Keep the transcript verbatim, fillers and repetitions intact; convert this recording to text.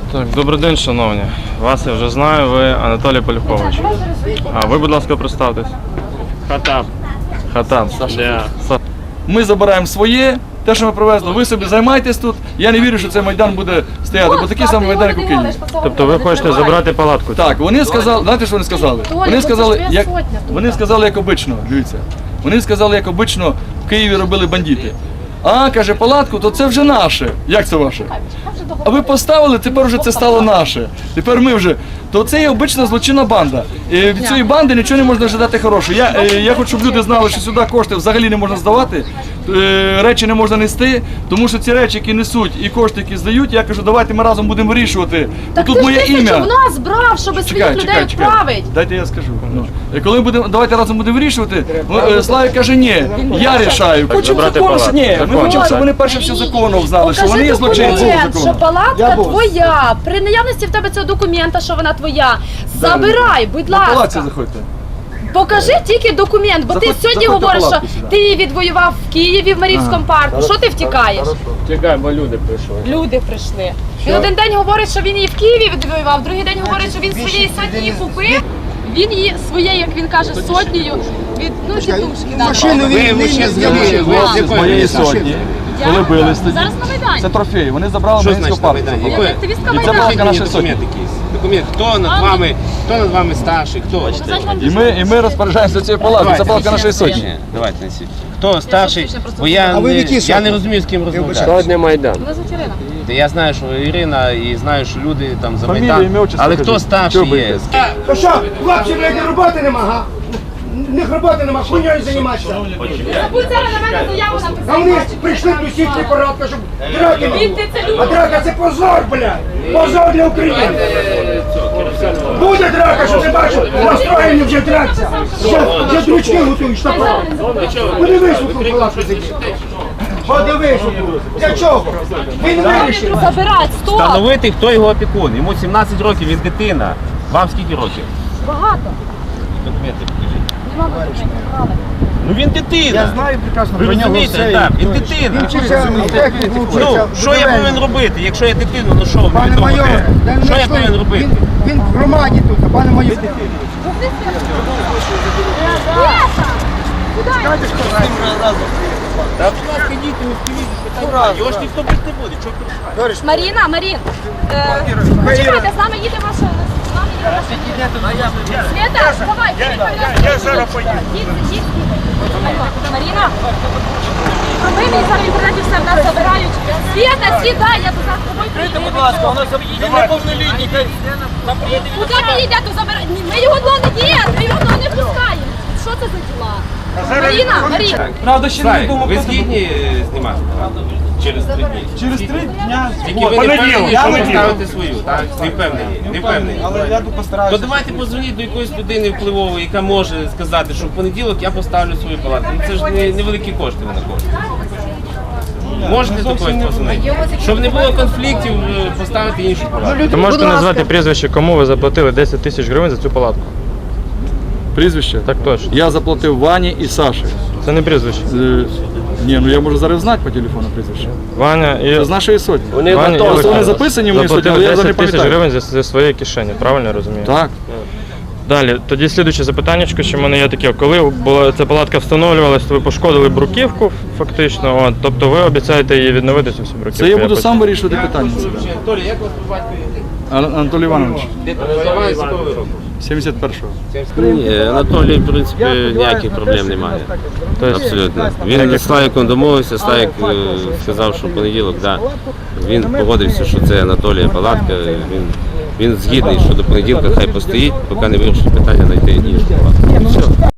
Так, добрий день, шановні. Вас я вже знаю, ви Анатолій Полюхович. А ви, будь ласка, представтесь. Хатаб. Хатаб. Да. Ми забираємо своє, те, що ми привезли, ви собі займайтесь тут. Я не вірю, що цей майдан буде стояти, бо такий самий майдан, як у Києві. Тобто ви хочете забрати палатку? Так, вони сказали, знаєте, що вони сказали? Вони сказали, як, вони сказали, як обично, дивіться. Вони сказали, як обично в Києві робили бандити. А, каже, палатку, то це вже наше. Як це ваше? А ви поставили, тепер вже це стало наше. Тепер ми вже. То це є обична злочинна банда. І від цієї банди нічого не можна ожидати хорошого. Я, я хочу, щоб люди знали, що сюди кошти взагалі не можна здавати, речі не можна нести, тому що ці речі, які несуть і кошти, які здають, я кажу, давайте ми разом будемо вирішувати. Так тут ти моє ж ім'я. в нас брав, щоб своїх людей відправити. Дайте я скажу. Ну. І коли будемо, давайте разом будемо вирішувати, ну, Славік каже, ні, я рішаю. Хочемо закону, що ні, ми хочемо, щоб вони перше все законом знали, що вони є злочинці документ, що закону. палатка твоя. При наявності в тебе цього документа, що вона твоя. Забирай, будь На палаці ласка. заходьте. Покажи тільки документ, бо ти Заходь- сьогодні заходьте говориш, що палатку сюди. ти її відвоював в Києві, в Маріївському парку. Що ти втікаєш? Чекай, бо люди прийшли. Люди прийшли. Він один день говорить, що він її в Києві відвоював, другий день говорить, що він своєї сотні її купив. Він її своєю, як він каже, сотнею від ну тітушки. Машину Ви, ви ще згадали, ви з З якої моєї місця? сотні. Я? Коли бились тоді. Зараз на Майдані. Це трофей, вони забрали Що Маріїнську значить на парку. Майдані? Я Якої? активістка І це Майдану. покажіть мені Наша документ якийсь. Документ, хто над вами, хто над вами старший, хто? І ми, і ми розпоряджаємося цією палаткою, це палатка нашої сотні. Ні, давайте несіть. Хто старший? Бо я, А ви в не, якій я сотні? не розумію, з ким розмовляти. Сьогодні Майдан. Вона Ірина. Та я знаю, що Ірина, і знаю, що люди там за Фамілія, Майдан. ім'я, отчество Але кажіть. хто старший Чого є? боїтесь? То що, хлопці, блядь, не роботи нема, га? В них роботи нема, хуйньою займатися. Будь зараз на мене заяву А вони написати. прийшли до сітки порадка, щоб драки не Він було. ти це А любиш. драка це позор, блядь. Позор для України. Буде драка, що ти бачив, настроєні вже драться. Вже, вже дручки готують, що правда. Подивись, у ту палатку сидить. Подивись, у ту. Для чого? Він вирішив. Забирать, стоп! Встановити, хто його опікун. Йому сімнадцять років, він дитина. Вам скільки років? Багато. Документи покажіть. Нема документів, правда. Ну він дитина. Я знаю прекрасно Ви про нього розумієте, все. так, він дитина. Він вчився в техніку, Ну, вчився в що я будівельному. повинен робити? Якщо я дитину, ну що, мені Пане того майоре, те? дай Що мені я повинен слово. робити? Він, він в громаді тут, а пане майоре. Та, будь ласка, йдіть, не впливіть, питання. Його ж ніхто бити не буде, чого кричати? Маріна, Марін, е, почекайте, з нами їде машина. З нами їде машина. Света, давай, я зараз поїду. Маріна, а ми мені зараз в інтернеті все в нас забирають. Света, сідай, я тут за тобою приїду. Будь ласка, у нас є неповнолітні. Куди ти йде, то забирай? Ні, ми його одного не є, ми його одного не пускаємо. Що це за діла? Маріна, Маріна. Правда, ще не Слайк, відомо, ви хто це згідні е, знімати? Через три дні. Через три дня. Тільки ви не впевнені, що ви ставите свою, так? Не впевнені, не впевнені. Але я тут постараюся. То давайте позвоніть до якоїсь людини впливової, яка може сказати, що в понеділок я поставлю свою палатку. Ну, це ж не, невеликі кошти вона коштує. Можете до когось позвонити? Щоб не було конфліктів, е, поставити іншу палатку. Ви можете назвати прізвище, кому ви заплатили десять тисяч гривень за цю палатку? Прізвище? Так точно. Я заплатив Вані і Саші. Це не прізвище. Е, Ні, ну я можу зараз знати по телефону прізвище. Ваня і З нашої сотні. Ваня і Просто вони Олександр записані в моїй сотні, але заплатили я зараз не десять тисяч пам'ятаю. гривень зі, зі своєї кишені, правильно я розумію? Так. Далі, тоді слідуюче запитання, що в мене є таке, коли була ця палатка встановлювалась, то ви пошкодили бруківку фактично, от, тобто ви обіцяєте її відновити цю всю бруківку? Це я буду потім- сам вирішувати питання. Анатолій, як вас по батькові? Ан- Анатолій Іванович, Де проживає, з якого ви року? сімдесят першого. Ні, Анатолій, в принципі, ніяких проблем немає. Тобто, Абсолютно. Він з Славіком домовився, Славік е, сказав, що в понеділок, да. Він погодився, що це Анатолія палатка. Він, він згідний, що до понеділка хай постоїть, поки не вирішить питання знайти іншу палатку. І все.